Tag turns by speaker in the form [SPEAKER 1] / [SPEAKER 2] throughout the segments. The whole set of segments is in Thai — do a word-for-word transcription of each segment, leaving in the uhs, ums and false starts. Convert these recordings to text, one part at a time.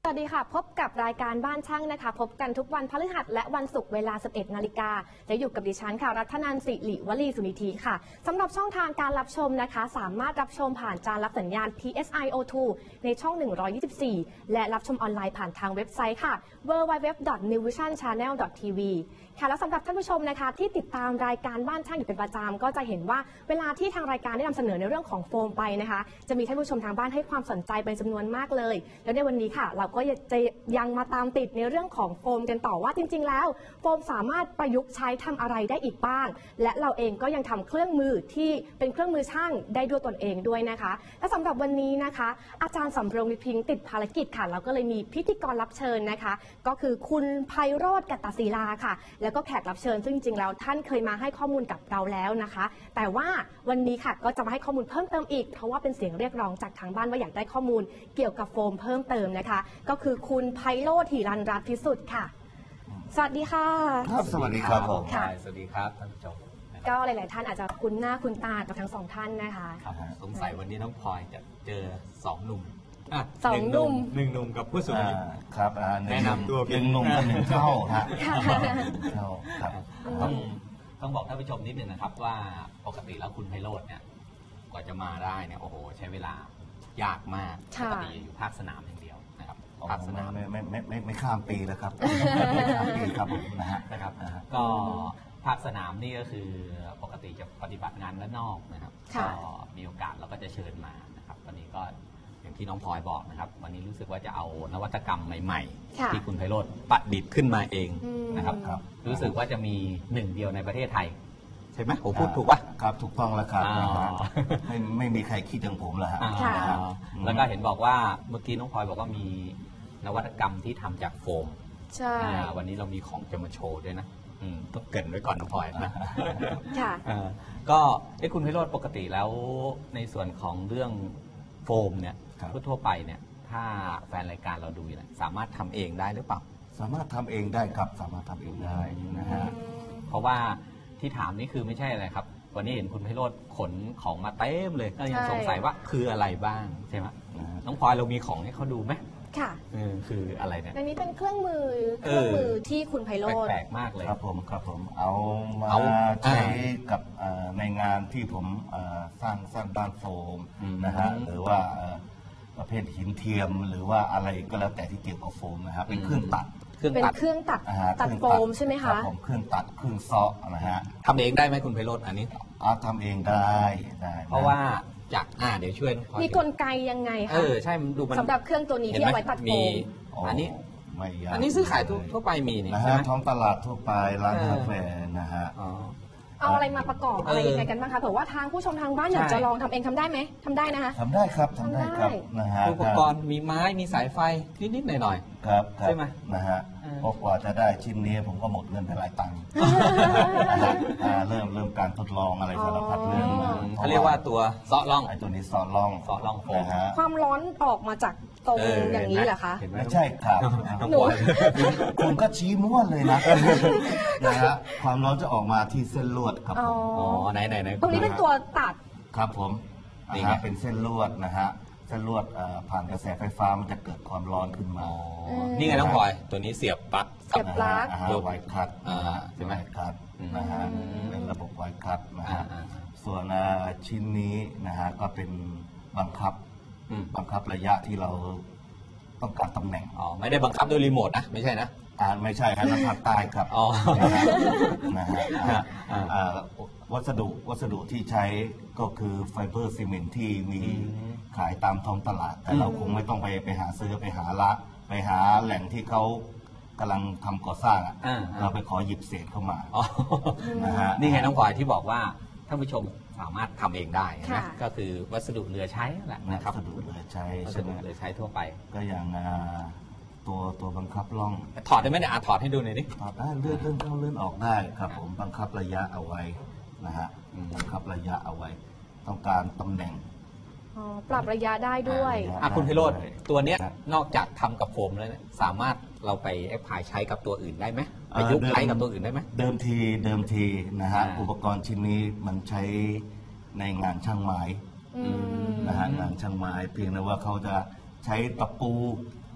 [SPEAKER 1] สวัสดีค่ะพบกับรายการบ้านช่างนะคะพบกันทุกวันพฤหัสและวันศุกร์เวลา สิบเอ็ดนาฬิกาจะอยู่กับดิฉันค่ะรัตนันท์ สิริวลีสุนิธิค่ะสำหรับช่องทางการรับชมนะคะสามารถรับชมผ่านจานรับสัญญาณ พี เอส ไอ โอ ทู ในช่อง หนึ่งร้อยยี่สิบสี่ และรับชมออนไลน์ผ่านทางเว็บไซต์ค่ะ ดับเบิลยู ดับเบิลยู ดับเบิลยู ดอท นิววิชั่น ชาแนล ดอท ที วี ค่ะแล้วสำหรับท่านผู้ชมนะคะที่ติดตามรายการบ้านช่างอยู่เป็นประจำก็จะเห็นว่าเวลาที่ทางรายการได้นำเสนอในเรื่องของโฟมไปนะคะจะมีท่านผู้ชมทางบ้านให้ความสนใจเป็นจำนวนมากเลยแล้วในวันนี้ค่ะเราก็จะยังมาตามติดในเรื่องของโฟมกันต่อว่าจริงๆแล้วโฟมสามารถประยุกต์ใช้ทำอะไรได้อีกบ้างและเราเองก็ยังทำเครื่องมือที่เป็นเครื่องมือช่างได้ด้วยตนเองด้วยนะคะและสำหรับวันนี้นะคะอาจารย์สำเริงวิพิงค์ติดภารกิจค่ะเราก็เลยมีพิธีกรรับเชิญนะคะก็คือคุณไพโรจน์ กัตตศิลาค่ะแล้วก็แขกรับเชิญซึ่งจริงๆแล้วท่านเคยมาให้ข้อมูลกับเราแล้วนะคะแต่ว่าวันนี้ค่ะก็จะมาให้ข้อมูลเพิ่มเติมอีกเพราะว่าเป็นเสียงเรียกร้องจากทางบ้านว่าอยากได้ข้อมูลเกี่ยวกับโฟมเพิ่มเติมนะคะก็คือคุณไพโรจน์ หิรัญรัตน์พิสุทธิ์ค่ะสวัสดีค่ะ
[SPEAKER 2] ครับสวัสดีครับผม
[SPEAKER 1] ค่ะ
[SPEAKER 3] สวัสดีครับท่านผู้ชม
[SPEAKER 1] ก็หลายๆท่านอาจจะคุ้นหน้าคุ้นตากับทั้งสองท่านนะคะ
[SPEAKER 3] ครับสงสัยวันนี้น้องพลอยจะเจอสองหนุ่ม
[SPEAKER 1] สองหนุ่ม
[SPEAKER 3] หนึ่งหนุ่มกับผู้สูงอายุ
[SPEAKER 2] ครับ
[SPEAKER 3] แนะนำตัว
[SPEAKER 2] เป็นหนุ่มกับหนึ่งเท่าฮะเท่าครับ
[SPEAKER 3] ต้องต้องบอกท่านผู้ชมนิดหนึ่งนะครับว่าปกติแล้วคุณไพโรจน์เนี่ยกว่าจะมาได้เนี่ยโอ้โหใช้เวลายากมากปกติอยู่ภาคสนามอย่างเดียวนะครับภาคสนาม
[SPEAKER 2] ไม่ไม่ไม่ไม่ไม่ข้ามปีแล้วครับไม่ข้ามปีครับผมนะฮะ
[SPEAKER 3] นะครับก็ภาคสนามนี่ก็คือปกติจะปฏิบัติงานด้านนอกนะครับก็มีโอกาสเราก็จะเชิญมานะครับวันนี้ก็อย่างที่น้องพลอยบอกนะครับวันนี้รู้สึกว่าจะเอานวัตกรรมใหม่ๆที่คุณไพโรจน์ประดิษฐ์ขึ้นมาเองนะครับรู้สึกว่าจะมีหนึ่งเดียวในประเทศไทยใช่ไหมผมพูดถูกป่ะ
[SPEAKER 2] ครับถูกต้องแล้วครับไม่ไม่มีใครคิดอย่างผมแล้วฮะ
[SPEAKER 3] แล้วก็เห็นบอกว่าเมื่อกี้น้องพลอยบอกว่ามีนวัตกรรมที่ทำจากโฟม
[SPEAKER 1] ใช่
[SPEAKER 3] วันนี้เรามีของจะมาโชว์ด้วยนะต้องเกริ่นไว้ก่อนน้องพลอยนะ
[SPEAKER 1] ค่ะ
[SPEAKER 3] ก็ไอ้คุณไพโรจน์ปกติแล้วในส่วนของเรื่องโฟมเนี่ยทั่วไปเนี่ยถ้าแฟนรายการเราดูเนี่ยสามารถทำเองได้หรือเปล่า
[SPEAKER 2] สามารถทำเองได้ครับสามารถทำเองได้นะฮะ
[SPEAKER 3] เพราะว่าที่ถามนี่คือไม่ใช่อะไรครับวันนี้เห็นคุณไพโรจน์ขนของมาเต็มเลยก็ยังสงสัยว่าคืออะไรบ้างใช่ไหมน้องพลอยเรามีของให้เขาดูไหม
[SPEAKER 1] ค่ะ
[SPEAKER 3] คืออะไรเนี่ย
[SPEAKER 1] ในนี้เป็นเครื่องมือเครื่องมือที่คุณไพโรจน์
[SPEAKER 3] แปลกมากเลย
[SPEAKER 2] ครับผมครับผมเอามาใช้กับในงานที่ผมสร้างสร้างบ้านโฟมนะฮะหรือว่าประเภทหินเทียมหรือว่าอะไรก็แล้วแต่ที่เกี่ยวกับโฟมนะครับเป็นเครื่องตัด
[SPEAKER 1] เป็นเครื่องตัดตัดโฟมใช่ไหมคะ
[SPEAKER 2] ผมเครื่องตัดเครื่องซอนะฮะ
[SPEAKER 3] ทำเองได้ไหมคุณไพโรจน์อันนี้
[SPEAKER 2] อ๋อทำเองได้ได้
[SPEAKER 3] เพราะว่าจากอ่าเดี๋ยวช่วย
[SPEAKER 1] มีกลไกยังไงคะ
[SPEAKER 3] เออใช่ดูมัน
[SPEAKER 1] สำหรับเครื่องตัวนี้ที่เอาไว้ตัดโฟม
[SPEAKER 3] อันนี้
[SPEAKER 2] ไม่ยาก
[SPEAKER 3] อันนี้ซื้อขายทั่วไปมีนี่
[SPEAKER 2] นะฮะท้องตลาดทั่วไปร้านกาแฟนะฮะ
[SPEAKER 1] เอาอะไรมาประกอบอะไรยังไงกันบ้างคะเผื่อว่าทางผู้ชมทางบ้านอยากจะลองทำเองทำได้ไหมทำได้นะคะ
[SPEAKER 2] ทำได้ครับทำได้ครับนะฮะ
[SPEAKER 3] อุปกรณ์มีไม้มีสายไฟนิดๆหน่อย
[SPEAKER 2] ๆครับใช่ไหมนะฮะพอกว่าจะได้ชิ้นนี้ผมก็หมดเงินไปหลายตังค์เริ่มเริ่มการทดลองอะไรสารพัดเรื่อง
[SPEAKER 3] เขาเรียกว่าตัวเซาะล่อง
[SPEAKER 2] ไอ้ตัวนี้เซาะล่อง
[SPEAKER 3] เซาะล่องโฟม
[SPEAKER 1] ความร้อนออกมาจากตรงอย่างนี้เหรอคะ
[SPEAKER 2] ไม่ใช่ครับคุณก็ชี้ม้วนเลยนะนะฮะความร้อนจะออกมาที่เส้นลวดครับผม
[SPEAKER 3] อ๋อไหนไหนไหน
[SPEAKER 1] ตรงนี้เป็นตัวตัด
[SPEAKER 2] ครับผมนี่ฮะเป็นเส้นลวดนะฮะเส้นลวดผ่านกระแสไฟฟ้ามันจะเกิดความร้อนขึ้นมา
[SPEAKER 3] นี่ไงน้องพลอยตัวนี้เสียบปลั๊ก
[SPEAKER 1] เสียบปลั๊ก
[SPEAKER 2] ไวคัทใช่ไหมคัทนะฮะเป็นระบบไวคัทนะฮะส่วนชิ้นนี้นะฮะก็เป็นบังคับบังคับระยะที่เราต้องการตำแหน่ง
[SPEAKER 3] อ๋อไม่ได้บังคับด้วยรีโมทนะไม่ใช่นะ
[SPEAKER 2] อ่าไม่ใช่ครับนักพัดใต้ครับ
[SPEAKER 3] อ๋อ
[SPEAKER 2] นะฮะวัสดุวัสดุที่ใช้ก็คือไฟเบอร์ซีเมนต์ที่มีขายตามท้องตลาดแต่เราคงไม่ต้องไปไปหาซื้อไปหาละไปหาแหล่งที่เขากำลังทำก่อสร้างเราไปขอหยิบเศษเข้ามา
[SPEAKER 3] นะฮะนี่ไงน้องพลอยที่บอกว่าท่านผู้ชมสามารถทำเองได้นะก็คือวัสดุเหลือใช้แหละนะครับ
[SPEAKER 2] วัสดุเหลือใช้
[SPEAKER 3] วัสดุเหลือใช้ทั่วไป
[SPEAKER 2] ก็อย่างตัวตัวบังคับล่อง
[SPEAKER 3] ถอดได้ไหมเนี่ยถอดให้ดูหน่อยดิ
[SPEAKER 2] ถอดได้เลื่อนเลื่อนเข้าเลื่อนออกได้ครับผมบังคับระยะเอาไว้นะฮะบังคับระยะเอาไว้ต้องการตำแหน่ง
[SPEAKER 1] ปรับระยะได้ด้วย
[SPEAKER 3] คุณไพโรจน์ตัวเนี้ยนอกจากทำกับโฟมแล้วสามารถเราไปแอพพลายใช้กับตัวอื่นได้ไหมไปยุกใช้กับตัวอื่นได้ไหม
[SPEAKER 2] เดิมทีเดิมทีนะฮะอุปกรณ์ชิ้นนี้มันใช้ในงานช่างไม้นะฮะงานช่างไม้เพียงแต่ว่าเขาจะใช้ตะปู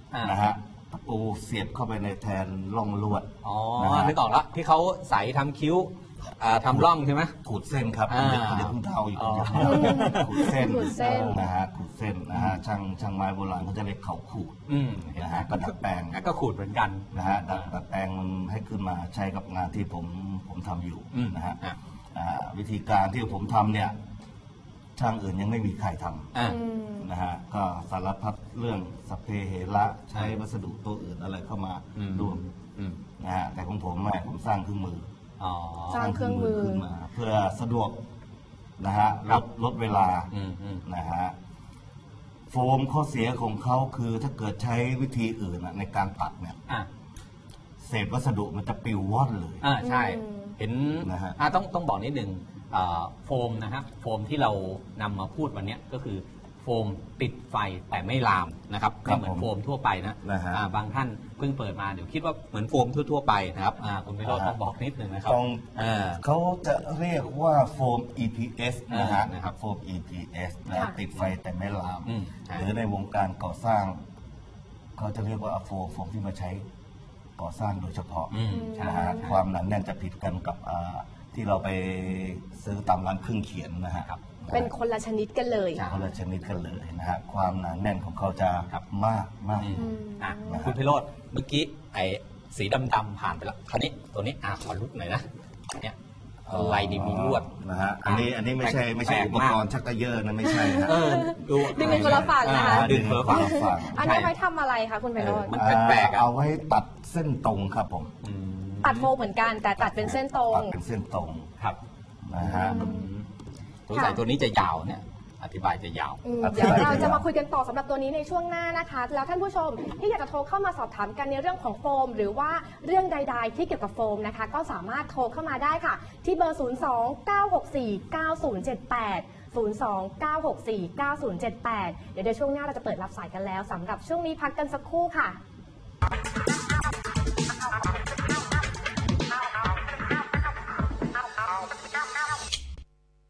[SPEAKER 3] อ่าน
[SPEAKER 2] นะฮะตะปูเสียบเข้าไปในแทนร่องลวด
[SPEAKER 3] อ๋อ
[SPEAKER 2] นะฮะ
[SPEAKER 3] นึกออกแล้วที่เขาใส่ทำคิ้วอ่าทำร่องใช่ไหม
[SPEAKER 2] ขูดเส้นครับ
[SPEAKER 3] อ่า
[SPEAKER 2] เดี๋ยวเดี๋ยวคุณเดาอยู่
[SPEAKER 3] อ๋อ
[SPEAKER 2] ขูดเส้น
[SPEAKER 1] ขูดเส้น
[SPEAKER 2] นะฮะขูดเส้นนะฮะช่างช่างไม้โบราณเขาจะเรียกเขาขูด
[SPEAKER 3] อืม
[SPEAKER 2] นะฮะก็ดัดแปลง
[SPEAKER 3] ก็ขูดเหมือนกัน
[SPEAKER 2] นะฮะดัดดัดแปลงมันให้ขึ้นมาใช้กับงานที่ผมผมทำอยู่
[SPEAKER 3] อืม
[SPEAKER 2] นะฮะ
[SPEAKER 3] อ่ะ
[SPEAKER 2] อ่าวิธีการที่ผมทำเนี่ยช่างอื่นยังไม่มีใครทำ
[SPEAKER 3] อ่า
[SPEAKER 1] อืม
[SPEAKER 2] นะฮะก็สารพัดเรื่องสพเพเหระใช้วัสดุตัวอื่นอะไรเข้ามา
[SPEAKER 3] อืม
[SPEAKER 2] ร่วม
[SPEAKER 3] อืม
[SPEAKER 2] นะฮะแต่ของผมไม่ผมสร้างเครื่องมือ
[SPEAKER 3] อ๋อ
[SPEAKER 1] สร้างเครื่องมือ
[SPEAKER 2] ขึ้นมา เพื่อสะดวกนะฮะลดลดเวลา
[SPEAKER 3] อืมอืม
[SPEAKER 2] นะฮะโฟมข้อเสียของเขาคือถ้าเกิดใช้วิธีอื่นอะในการตัดเนี่ย
[SPEAKER 3] อ่ะ
[SPEAKER 2] เศษวัสดุมันจะปลิวว่อนเลย
[SPEAKER 3] อ่าใช่
[SPEAKER 1] อืม
[SPEAKER 3] เห็น
[SPEAKER 2] นะฮะ
[SPEAKER 3] อ่าต้องต้องบอกนิดนึงอ่าโฟมนะฮะโฟมที่เรานำมาพูดวันเนี้ยก็คือโฟมติดไฟแต่ไม่ลามนะครับ
[SPEAKER 2] ครั
[SPEAKER 3] ไม่
[SPEAKER 2] บ
[SPEAKER 3] เหมือนโฟมทั่วไปนะ
[SPEAKER 2] นะฮะ
[SPEAKER 3] อ่าบางท่านเพิ่งเปิดมาเดี๋ยวคิดว่าเหมือนโฟมทั่ว ๆ ไปนะครับอ่าคุณวิโรจน์
[SPEAKER 2] นะฮะ
[SPEAKER 3] ต้องบอกนิดนึงนะครับ
[SPEAKER 2] ต้อง
[SPEAKER 3] อ่า
[SPEAKER 2] เขาจะเรียกว่าโฟม อี พี เอส นะฮะ
[SPEAKER 3] อ่านะครับ
[SPEAKER 2] โฟม อี พี เอส นะ
[SPEAKER 1] ค่ะ
[SPEAKER 2] ติดไฟแต่ไม่ลาม
[SPEAKER 3] อืมใช่
[SPEAKER 2] หรือในวงการก่อสร้าง เขาจะเรียกว่าโฟมโฟมที่มาใช้ก่อสร้างโดยเฉพาะ
[SPEAKER 3] อืมใช่
[SPEAKER 2] นะฮะความหนาแน่นจะผิดกันกับอ่าที่เราไปซื้อตามร้านเครื่องเขียนนะฮะ
[SPEAKER 3] ครับ
[SPEAKER 1] เป็นคนละชนิดกันเลย
[SPEAKER 3] ใช่
[SPEAKER 2] คนละชนิดกันเลยนะฮะความหนาแน่นของเขาจะมากมาก
[SPEAKER 3] อืม
[SPEAKER 1] อืม
[SPEAKER 3] อ่ะ
[SPEAKER 2] นะครับ
[SPEAKER 3] คุณพิโรธเมื่อกี้ไอ้สีดำๆผ่านไปแล้วคราวนี้ตัวนี้อ่ะขอลุกหน่อยนะเนี่ยอะไรนี่มีลวด
[SPEAKER 2] นะฮะอันนี้อันนี้ไม่ใช่ไม่ใช่
[SPEAKER 3] แปลก
[SPEAKER 2] อุป
[SPEAKER 3] มาก
[SPEAKER 2] รณ์ชักกระเยอะนะไม่ใช่ฮะ
[SPEAKER 3] เออดู
[SPEAKER 1] ดึงเป็นคนละฝั่งนะคะ
[SPEAKER 3] อ่าดึงคนละฝั่ง
[SPEAKER 2] ฝั่ง
[SPEAKER 1] อันนี้ไว้ทำอะไรคะคุณไพโรจน์
[SPEAKER 3] มันแปลกๆอะ
[SPEAKER 2] เอาไว้ตัดเส้นตรงครับผม
[SPEAKER 3] อืม
[SPEAKER 1] ตัดโฟมเหมือนกันแต่ตัดเป็นเส้นตรง
[SPEAKER 2] ตัดเป็นเส้นตรง
[SPEAKER 3] ครับ
[SPEAKER 2] นะฮะ
[SPEAKER 3] สงสัยตัวนี้จะยาวเนี่ย อธิบายจะยาว
[SPEAKER 1] อืม
[SPEAKER 2] ครับ
[SPEAKER 1] เดี๋ยวเราจะมาคุยกันต่อสำหรับตัวนี้ในช่วงหน้านะคะ แล้วท่านผู้ชมที่อยากจะโทรเข้ามาสอบถามกันในเรื่องของโฟม หรือว่าเรื่องใด ๆ ที่เกี่ยวกับโฟมนะคะ ก็สามารถโทรเข้ามาได้ค่ะ ที่เบอร์ ศูนย์ สอง เก้า หก สี่ เก้า ศูนย์ เจ็ด แปด ศูนย์ สอง เก้า หก สี่ เก้า ศูนย์ เจ็ด แปด เดี๋ยวในช่วงหน้าเราจะเปิดรับสายกันแล้วสำหรับช่วงนี้พักกันสักครู่ค่ะ